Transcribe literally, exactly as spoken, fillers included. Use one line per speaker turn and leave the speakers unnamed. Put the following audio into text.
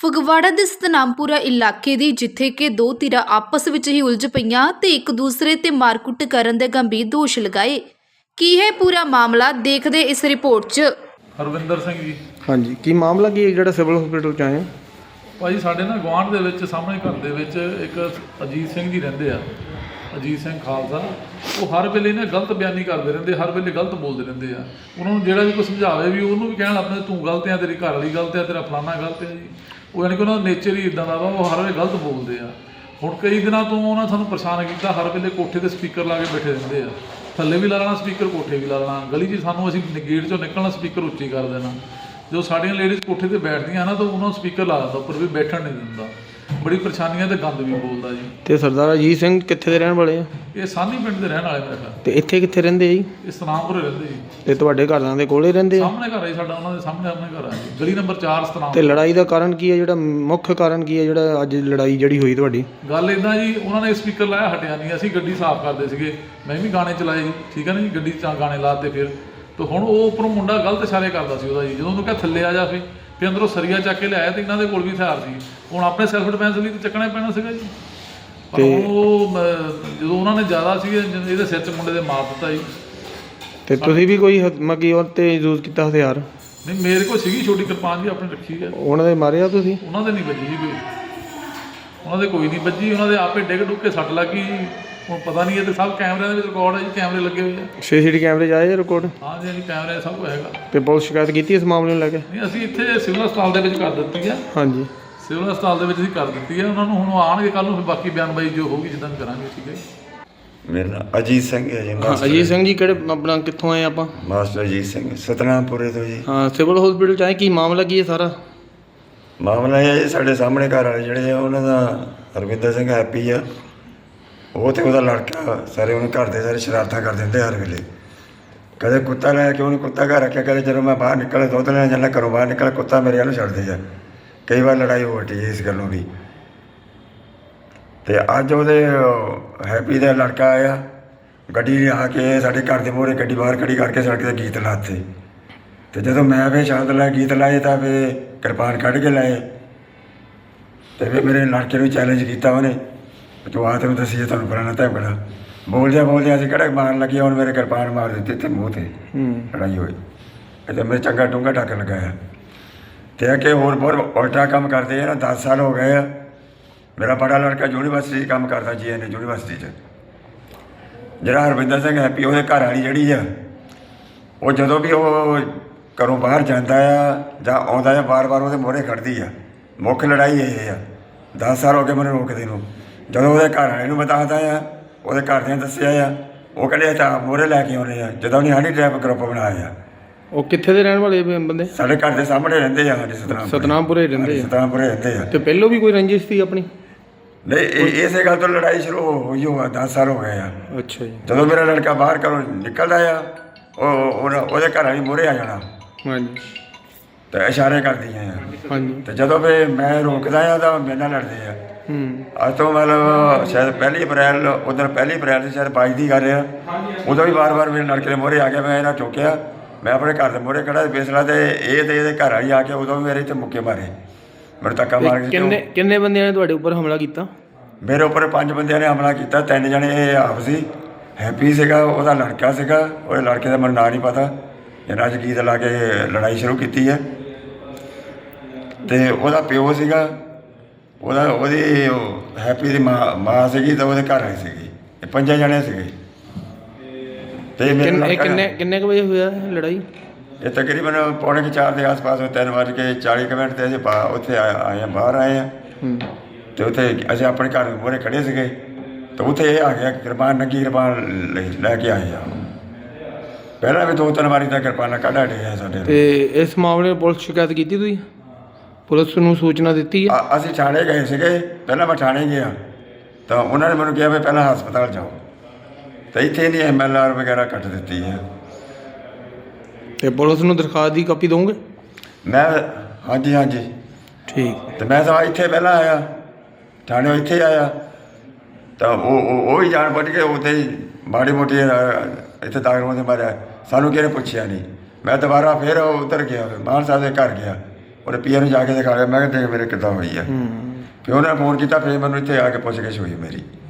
ਫਗਵਾੜਾ ਦੇ ਸਤਨਾਮਪੁਰਾ ਇਲਾਕੇ ਦੀ ਜਿੱਥੇ ਕਿ ਦੋ ਧਿਰਾਂ ਆਪਸ ਵਿੱਚ ਹੀ ਉਲਝ ਪਈਆਂ ਤੇ ਇੱਕ ਦੂਸਰੇ ਤੇ ਮਾਰਕੁੱਟ ਕਰਨ ਦੇ ਗੰਭੀਰ ਦੋਸ਼ ਲਗਾਏ। ਕੀ ਹੈ ਪੂਰਾ ਮਾਮਲਾ, ਦੇਖਦੇ ਇਸ ਰਿਪੋਰਟ 'ਚ।
ਹਰਵਿੰਦਰ ਸਿੰਘ ਜੀ।
ਹਾਂਜੀ, ਕੀ ਮਾਮਲਾ ਕੀ ਹੈ ਜਿਹੜਾ ਸਿਵਲ ਹਸਪੀਟਲ 'ਚ ਆਏ ਹੋ?
ਭਾਜੀ ਸਾਡੇ ਨਾ ਗੁਆਂਢ ਦੇ ਵਿੱਚ ਸਾਹਮਣੇ ਘਰ ਦੇ ਵਿੱਚ ਇੱਕ ਅਜੀਤ ਸਿੰਘ ਜੀ ਰਹਿੰਦੇ ਆ, ਅਜੀਤ ਸਿੰਘ ਖਾਲਸਾ। ਉਹ ਹਰ ਵੇਲੇ ਨਾ ਗਲਤ ਬਿਆਨੀ ਕਰਦੇ ਰਹਿੰਦੇ, ਹਰ ਵੇਲੇ ਗਲਤ ਬੋਲਦੇ ਰਹਿੰਦੇ ਆ। ਉਹਨਾਂ ਨੂੰ ਜਿਹੜਾ ਵੀ ਕੋਈ ਸਮਝਾਵੇ ਵੀ ਉਹਨੂੰ ਵੀ ਕਹਿਣ ਆਪਣੇ ਤੂੰ ਗਲਤ ਆ, ਤੇਰੀ ਘਰ ਵਾਲੀ ਗਲਤ ਆ, ਤੇਰਾ ਫਲਾਨਾ ਗਲਤ ਆ ਜੀ। ਉਹ ਯਾਨੀ ਕਿ ਉਹਨਾਂ ਦਾ ਨੇਚਰ ਹੀ ਇੱਦਾਂ ਦਾ ਵਾ, ਉਹ ਹਰ ਵੇਲੇ ਗਲਤ ਬੋਲਦੇ ਆ। ਹੁਣ ਕਈ ਦਿਨਾਂ ਤੋਂ ਉਹਨਾਂ ਸਾਨੂੰ ਪਰੇਸ਼ਾਨ ਕੀਤਾ, ਹਰ ਵੇਲੇ ਕੋਠੇ 'ਤੇ ਸਪੀਕਰ ਲਾ ਕੇ ਬੈਠੇ ਰਹਿੰਦੇ ਆ। ਥੱਲੇ ਵੀ ਲਾ ਲੈਣਾ ਸਪੀਕਰ, ਕੋਠੇ ਵੀ ਲਾ ਲੈਣਾ। ਗਲੀ 'ਚ ਸਾਨੂੰ ਅਸੀਂ ਗੇਟ 'ਚੋਂ ਨਿਕਲਣਾ ਸਪੀਕਰ ਉੱਚੀ ਕਰ ਦੇਣਾ। ਜਦੋਂ ਸਾਡੀਆਂ ਲੇਡੀਜ਼ ਕੋਠੇ 'ਤੇ ਬੈਠਦੀਆਂ ਨਾ ਤਾਂ ਉਹਨਾਂ ਨੂੰ ਸਪੀਕਰ ਲਾ ਦਿੰਦਾ, ਉੱਪਰ ਵੀ ਬੈਠਣ ਨਹੀਂ ਦਿੰਦਾ। ਬੜੀ ਪਰੇਸ਼ਾਨੀਆਂ ਤੇ ਗੰਦ ਵੀ ਬੋਲਦਾ ਜੀ।
ਤੇ ਸਰਦਾਰ ਅਜੀਤ ਸਿੰਘ ਕਿੱਥੇ ਦੇ ਰਹਿਣ ਵਾਲੇ ਆ?
ਇਹ ਸਾਨੀ ਪਿੰਡ ਦੇ ਰਹਿਣ ਵਾਲੇ ਮੇਰੇ ਖਿਆਲ।
ਤੇ ਇੱਥੇ ਕਿੱਥੇ ਰਹਿੰਦੇ ਆ ਜੀ?
ਇਹ ਸਤਨਾਮਪੁਰੇ ਰਹਿੰਦੇ ਜੀ।
ਤੇ ਤੁਹਾਡੇ ਘਰਾਂ ਦੇ ਕੋਲੇ ਰਹਿੰਦੇ ਆ?
ਸਾਹਮਣੇ ਘਰ ਹੈ ਸਾਡਾ, ਉਹਨਾਂ ਦੇ ਸਾਹਮਣੇ ਆਪਣੇ ਘਰ ਆ ਜੀ, ਗਲੀ ਨੰਬਰ ਚਾਰ ਸਤਨਾਮ।
ਤੇ ਲੜਾਈ ਦਾ ਕਾਰਨ ਕੀ ਹੈ, ਜਿਹੜਾ ਮੁੱਖ ਕਾਰਨ ਕੀ ਹੈ ਜਿਹੜਾ ਅੱਜ ਲੜਾਈ ਜਿਹੜੀ ਹੋਈ ਤੁਹਾਡੀ?
ਗੱਲ ਇੱਦਾਂ ਜੀ, ਉਹਨਾਂ ਨੇ ਸਪੀਕਰ ਲਾਇਆ, ਹਟਿਆ ਨਹੀਂ। ਅਸੀਂ ਗੱਡੀ ਸਾਫ਼ ਕਰਦੇ ਸੀਗੇ, ਮੈਂ ਵੀ ਗਾਣੇ ਚਲਾਏ ਜੀ, ਠੀਕ ਹੈ ਨਾ ਜੀ। ਗੱਡੀ 'ਚ ਗਾਣੇ ਲਾਤੇ ਫਿਰ ਤੇ ਹੁਣ ਉਹ ਉੱਪਰੋਂ ਮੁੰਡਾ ਗਲਤ ਇਸ਼ਾਰੇ ਕਰਦਾ ਸੀ ਉਹਦਾ ਜੀ। ਜਦੋਂ ਉਹਨੂੰ ਕਿਹਾ ਥੱਲੇ ਆ ਜਾ, ਫਿਰ ਫਿਰ ਅੰਦਰੋਂ ਸਰੀਆ ਚੱਕ ਕੇ ਲਿਆਇਆ ਤੇ ਇਹਨਾਂ ਦੇ ਕੋਲ ਵੀ ਹਥਿਆਰ ਸੀ। ਹੁਣ ਆਪਣੇ ਸੈਲਫ ਡਿਫੈਂਸ ਲਈ ਤਾਂ ਚੱਕਣਾ ਪੈਣਾ ਸੀਗਾ ਜੀ। ਪਰ ਉਹ ਜਦੋਂ ਉਹਨਾਂ ਨੇ ਜ਼ਿਆਦਾ ਸੀ ਇਹਦੇ ਸਿਰ 'ਚ ਮੁੰਡੇ ਦੇ ਮਾਰ ਦਿੱਤਾ ਜੀ।
ਤੇ ਤੁਸੀਂ ਵੀ ਕੋਈ ਮਗੀ ਉਹ 'ਤੇ ਯੂਜ਼ ਕੀਤਾ ਹਥਿਆਰ?
ਨਹੀਂ, ਮੇਰੇ ਕੋਲ ਸੀਗੀ ਛੋਟੀ ਕਿਰਪਾਨ ਜੀ, ਆਪਣੀ ਰੱਖੀ ਹੈ।
ਉਹਨਾਂ ਦੇ ਮਾਰਿਆ ਤੁਸੀਂ?
ਉਹਨਾਂ ਦੇ ਨਹੀਂ ਵੱਜੀ ਜੀ ਕੋਈ, ਉਹਨਾਂ ਦੇ ਕੋਈ ਨਹੀਂ ਵੱਜੀ। ਉਹਨਾਂ ਦੇ ਆਪੇ ਡਿੱਗ ਡੁੱਗ ਕੇ ਸੱਟ ਲੱਗ ਗਈ ਜੀ। ਹੁਣ ਪਤਾ ਨਹੀਂ, ਇਹ ਤਾਂ ਸਭ ਕੈਮਰਿਆਂ ਦੇ ਵਿੱਚ ਰਿਕਾਰਡ ਹੈ ਜੀ, ਕੈਮਰੇ ਲੱਗੇ ਹੋਏ ਆ।
ਸੀ ਸੀ ਟੀ ਕੈਮਰੇ 'ਚ ਆਏ ਰਿਕਾਰਡ?
ਹਾਂਜੀ ਹਾਂਜੀ, ਕੈਮਰੇ ਸਭ ਕੁਝ ਹੈਗਾ।
ਤੇ ਪੁਲਿਸ ਸ਼ਿਕਾਇਤ ਕੀਤੀ ਇਸ ਮਾਮਲੇ ਨੂੰ ਲੈ ਕੇ?
ਨਹੀਂ, ਅਸੀਂ ਇੱਥੇ ਸਿਵਲ ਹਸਪਤਾਲ ਦੇ ਵਿੱਚ ਕਰ ਦਿੱਤੀ ਆ।
ਹਾਂਜੀ,
ਸਿਵਲ ਹਸਪਤਾਲ ਦੇ ਵਿੱਚ ਅਸੀਂ ਕਰ ਦਿੱਤੀ ਹੈ। ਉਹਨਾਂ ਨੂੰ ਹੁਣ ਆਉਣਗੇ ਕੱਲ੍ਹ ਨੂੰ, ਫਿਰ ਬਾਕੀ ਬਿਆਨਬਾਜ਼ੀ ਜੋ ਹੋਊਗੀ ਜਿੱਦਾਂ ਵੀ ਕਰਾਂਗੇ। ਠੀਕ ਹੈ।
ਮੇਰਾ ਨਾਮ ਅਜੀਤ ਸਿੰਘ ਹੈ ਜੀ।
ਹਾਂ, ਅਜੀਤ ਸਿੰਘ ਜੀ ਕਿਹੜੇ ਆਪਣਾ ਕਿੱਥੋਂ ਆਏ ਆਪਾਂ?
ਮਾਸਟਰ ਅਜੀਤ ਸਿੰਘ ਸਤਨਾਮਪੁਰੇ ਤੋਂ ਜੀ।
ਹਾਂ, ਸਿਵਲ ਹਸਪੀਟਲ 'ਚ ਆਏ, ਕੀ ਮਾਮਲਾ ਕੀ ਹੈ ਸਾਰਾ?
ਮਾਮਲਾ ਇਹ ਹੈ ਜੀ, ਸਾਡੇ ਸਾਹਮਣੇ ਘਰ ਵਾਲੇ ਜਿਹੜੇ ਆ ਉਹਨਾਂ ਦਾ ਹਰਵਿੰਦਰ ਸਿੰਘ ਹੈਪੀ ਆ, ਉਹ ਤੇ ਉਹਦਾ ਲੜਕਾ ਸਾਰੇ ਉਹਨੇ ਘਰ ਦੇ ਸਾਰੇ ਸ਼ਰਾਰਤਾਂ ਕਰ ਦਿੰਦੇ ਹਰ ਵੇਲੇ। ਕਦੇ ਕੁੱਤਾ ਲੈ ਕੇ ਉਹਨੇ ਕੁੱਤਾ ਘਰ ਰੱਖਿਆ, ਕਦੇ ਜਦੋਂ ਮੈਂ ਬਾਹਰ ਨਿਕਲੇ ਦੁੱਧ ਲੈਣ ਜਾਂਦਾ, ਘਰੋਂ ਬਾਹਰ ਨਿਕਲੇ ਕੁੱਤਾ ਮੇਰੇ ਵੱਲ ਛੱਡਦੇ ਆ। ਕਈ ਵਾਰ ਲੜਾਈ ਹੋ ਹਟੀ ਇਸ ਗੱਲੋਂ ਵੀ। ਅਤੇ ਅੱਜ ਉਹਦੇ ਹੈਪੀ ਦਾ ਲੜਕਾ ਆਇਆ, ਗੱਡੀ ਆ ਕੇ ਸਾਡੇ ਘਰ ਦੇ ਮੂਹਰੇ ਗੱਡੀ ਬਾਹਰ ਖੜੀ ਕਰਕੇ ਸੜਕ 'ਤੇ ਗੀਤ ਲਾਤੇ। ਅਤੇ ਜਦੋਂ ਮੈਂ ਫਿਰ ਸ਼ਾਂਤ ਲਾਇਆ ਗੀਤ ਲਾਏ ਤਾਂ ਫਿਰ ਕਿਰਪਾਨ ਕੱਢ ਕੇ ਲਾਏ। ਅਤੇ ਫਿਰ ਮੇਰੇ ਲੜਕੇ ਨੂੰ ਚੈਲੰਜ ਕੀਤਾ ਉਹਨੇ, ਤੂੰ ਆ ਤੈਨੂੰ ਦੱਸੀਏ ਤੁਹਾਨੂੰ ਫਲਾਣਾ ਧਮਕਣਾ। ਬੋਲਦਿਆਂ ਬੋਲਦਿਆਂ ਅਸੀਂ ਕਿਹੜਾ ਮਾਰਨ ਲੱਗੇ, ਹੁਣ ਮੇਰੇ ਕਿਰਪਾਨ ਮਾਰ ਦਿੱਤੀ ਅਤੇ ਮੂੰਹ 'ਤੇ ਲੜਾਈ ਹੋਈ। ਅਤੇ ਮੇਰੇ ਚੰਗਾ ਡੂੰਘਾ ਟੱਕ ਲਗਾਇਆ। ਅਤੇ ਅੱਗੇ ਹੋਰ ਬਹੁਤ ਉਲਟਾ ਕੰਮ ਕਰਦੇ ਆ ਨਾ। ਦਸ ਸਾਲ ਹੋ ਗਏ ਆ। ਮੇਰਾ ਬੜਾ ਲੜਕਾ ਯੂਨੀਵਰਸਿਟੀ 'ਚ ਕੰਮ ਕਰਦਾ, ਜੀ ਐਨ ਏ ਯੂਨੀਵਰਸਿਟੀ 'ਚ। ਜਿਹੜਾ ਹਰਵਿੰਦਰ ਸਿੰਘ ਹੈਪੀ, ਉਹਦੇ ਘਰ ਵਾਲੀ ਜਿਹੜੀ ਆ, ਉਹ ਜਦੋਂ ਵੀ ਉਹ ਘਰੋਂ ਬਾਹਰ ਜਾਂਦਾ ਆ ਜਾਂ ਆਉਂਦਾ ਆ, ਵਾਰ ਵਾਰ ਉਹਦੇ ਮੂਹਰੇ ਖੜ੍ਹਦੀ ਆ। ਮੁੱਖ ਲੜਾਈ ਇਹ ਆ। ਦਸ ਸਾਲ ਹੋ ਗਏ ਮੈਨੂੰ ਰੋਕਦੇ ਨੂੰ। ਜਦੋਂ ਉਹਦੇ ਘਰ ਵਾਲੇ ਨੂੰ ਬਤਾਉਂਦਾ ਆ, ਉਹਦੇ ਘਰਦਿਆਂ ਦੱਸਿਆ ਆ, ਉਹ ਕਹਿੰਦੇ ਤਾਂ ਮੂਹਰੇ ਲੈ ਕੇ ਆਉਂਦੇ ਆ। ਜਦੋਂ ਉਹਨੇ ਹਨੀ ਟ੍ਰੈਪ ਗਰੁੱਪ ਬਣਾਇਆ ਆ।
ਉਹ ਕਿੱਥੇ ਦੇ ਰਹਿਣ ਵਾਲੇ ਬੰਦੇ? ਸਾਡੇ
ਘਰ ਦੇ ਸਾਹਮਣੇ ਰਹਿੰਦੇ ਆ, ਸਾਡੇ ਸਤਨਾਮ
ਸਤਨਾਮਪੁਰੇ ਰਹਿੰਦੇ ਆ।
ਸਤਨਾਮਪੁਰੇ ਰਹਿੰਦੇ ਆ।
ਤੇ ਪਹਿਲੋਂ ਵੀ ਕੋਈ ਰੰਜਿਸ਼ ਸੀ ਆਪਣੀ?
ਨਹੀਂ, ਇਹ ਇਸੇ ਗੱਲ ਤੋਂ ਲੜਾਈ ਸ਼ੁਰੂ ਹੋਈ ਹੋਆ। ਦਸ ਸਾਲ ਹੋ ਗਏ ਆ।
ਅੱਛਾ ਜੀ।
ਜਦੋਂ ਮੇਰਾ ਲੜਕਾ ਬਾਹਰ ਘਰੋਂ ਨਿਕਲਦਾ ਆ, ਉਹ ਉਹਦੇ ਘਰ ਵਾਲੀ ਮੂਹਰੇ ਆ ਜਾਣਾ।
ਹਾਂਜੀ।
ਤੇ ਇਸ਼ਾਰੇ ਕਰਦੀਆਂ ਆ।
ਹਾਂਜੀ।
ਤੇ ਜਦੋਂ ਫਿਰ ਮੈਂ ਰੋਕਦਾ ਆ ਤਾਂ ਮੇਰੇ ਨਾਲ ਲੜਦੇ ਆ।
ਹੂੰ। ਅੱਜ
ਤੋਂ ਮਤਲਬ ਸ਼ਾਇਦ ਪਹਿਲੀ ਅਪ੍ਰੈਲ, ਉੱਧਰ ਪਹਿਲੀ ਅਪ੍ਰੈਲ ਦੀ ਸ਼ਾਇਦ ਬਾਈ ਦੀ ਗੱਲ ਆ। ਉਦੋਂ ਵੀ ਵਾਰ ਵਾਰ ਮੇਰੇ ਲੜਕੇ ਦੇ ਮੂਹਰੇ ਆ ਗਿਆ। ਮੈਂ ਇਹਨਾਂ ਚੁੱਕਿਆ, ਮੈਂ ਆਪਣੇ ਘਰ ਦੇ ਮੂਹਰੇ ਖੜਾ ਫੈਸਲਾ, ਤੇ ਇਹ ਤੇ ਇਹਦੇ ਘਰ ਵਾਲੀ ਆ ਕੇ ਉਦੋਂ ਵੀ ਮੇਰੇ 'ਤੇ ਮੁੱਕੇ ਮਾਰੇ, ਮੈਨੂੰ ਧੱਕਾ ਮਾਰ ਕੇ।
ਕਿੰਨੇ ਕਿੰਨੇ ਬੰਦਿਆਂ ਨੇ ਤੁਹਾਡੇ ਉੱਪਰ ਹਮਲਾ ਕੀਤਾ?
ਮੇਰੇ ਉੱਪਰ ਪੰਜ ਬੰਦਿਆਂ ਨੇ ਹਮਲਾ ਕੀਤਾ। ਤਿੰਨ ਜਣੇ ਇਹ ਆਪ ਸੀ, ਹੈਪੀ ਸੀਗਾ, ਉਹਦਾ ਲੜਕਾ ਸੀਗਾ, ਉਹਦੇ ਲੜਕੇ ਦਾ ਮੈਨੂੰ ਨਾਂ ਨਹੀਂ ਪਤਾ। ਇਹਨਾਂ 'ਚ ਗੀਤ ਲਾ ਕੇ ਲੜਾਈ ਸ਼ੁਰੂ ਕੀਤੀ ਹੈ। ਅਤੇ ਉਹਦਾ ਪਿਓ ਸੀਗਾ, ਉਹਦਾ ਉਹਦੀ ਹੈਪੀ ਦੀ ਮਾਂ ਮਾਂ ਸੀਗੀ, ਤਾਂ ਉਹਦੇ ਘਰ ਵਾਲੀ ਸੀਗੀ। ਇਹ ਪੰਜਾਂ ਜਣੇ ਸੀਗੇ। ਅਤੇ ਮੇਰੇ
ਕਿੰਨੇ ਕਿੰਨੇ ਕੁ ਵਜੇ ਹੋਇਆ ਲੜਾਈ?
ਇਹ ਤਕਰੀਬਨ ਪੌਣੇ ਕੁ ਚਾਰ ਦੇ ਆਸ ਪਾਸ, ਤਿੰਨ ਵੱਜ ਕੇ ਚਾਲੀ ਕੁ ਮਿੰਟ 'ਤੇ ਅਸੀਂ ਬਾ ਉੱਥੇ ਆਏ ਆਏ ਹਾਂ, ਬਾਹਰ ਆਏ ਹਾਂ। ਅਤੇ ਉੱਥੇ ਅਸੀਂ ਆਪਣੇ ਘਰ ਮੂਹਰੇ ਖੜ੍ਹੇ ਸੀਗੇ, ਤਾਂ ਉੱਥੇ ਇਹ ਆ ਗਿਆ ਕਿਰਪਾਨ, ਨੰਗੀ ਕਿਰਪਾਨ ਲੈ ਕੇ ਆਏ ਆ। ਪਹਿਲਾਂ ਵੀ ਦੋ ਤਿੰਨ ਵਾਰੀ ਤਾਂ ਕਿਰਪਾਨਾਂ ਕੱਢ ਹਟੇ ਆ ਸਾਡੇ।
ਅਤੇ ਇਸ ਮਾਮਲੇ ਨੂੰ ਪੁਲਿਸ ਸ਼ਿਕਾਇਤ ਕੀਤੀ ਤੁਸੀਂ? ਪੁਲਿਸ ਨੂੰ ਸੂਚਨਾ ਦਿੱਤੀ ਹੈ?
ਅਸੀਂ ਥਾਣੇ ਗਏ ਸੀਗੇ। ਪਹਿਲਾਂ ਮੈਂ ਥਾਣੇ ਗਿਆ ਤਾਂ ਉਹਨਾਂ ਨੇ ਮੈਨੂੰ ਕਿਹਾ ਵੀ ਪਹਿਲਾਂ ਹਸਪਤਾਲ ਜਾਓ, ਤਾਂ ਇੱਥੇ ਨਹੀਂ ਐਮ ਐਲ ਆਰ ਵਗੈਰਾ ਕੱਟ ਦਿੱਤੀ ਹੈ।
ਅਤੇ ਪੁਲਿਸ ਨੂੰ ਦਰਖਾਸਤ ਦੀ ਕਾਪੀ ਦਊਂਗੇ?
ਮੈਂ ਹਾਂਜੀ ਹਾਂਜੀ
ਠੀਕ।
ਅਤੇ ਮੈਂ ਤਾਂ ਇੱਥੇ ਪਹਿਲਾਂ ਆਇਆ, ਥਾਣੇ ਇੱਥੇ ਆਇਆ, ਤਾਂ ਉਹ ਉਹ ਹੀ ਜਾਣ ਬੁੱਝ ਕੇ ਉੱਥੇ ਹੀ ਮਾੜੀ ਮੋਟੀ ਇੱਥੇ ਦਾਖਲ ਹੋਣ ਦੇ ਮਾਰਿਆ। ਸਾਨੂੰ ਕਿਸੇ ਨੇ ਪੁੱਛਿਆ ਨਹੀਂ। ਮੈਂ ਦੁਬਾਰਾ ਫਿਰ ਉੱਧਰ ਗਿਆ, ਮਾਨ ਸਾਹਿਬ ਦੇ ਘਰ ਗਿਆ, ਉਹਦੇ ਪੀਏ ਨੂੰ ਜਾ ਕੇ ਦਿਖਾ ਲਿਆ। ਮੈਂ ਕਿਹਾ ਦੇਖ ਮੇਰੇ ਕਿੱਦਾਂ ਹੋਈ ਆ।
ਹੂੰ
ਫਿਰ ਉਹਨੇ ਫੋਨ ਕੀਤਾ, ਫਿਰ ਮੈਨੂੰ ਇੱਥੇ ਆ ਕੇ ਪੁੱਛ ਗਿੱਛ ਹੋਈ ਮੇਰੀ।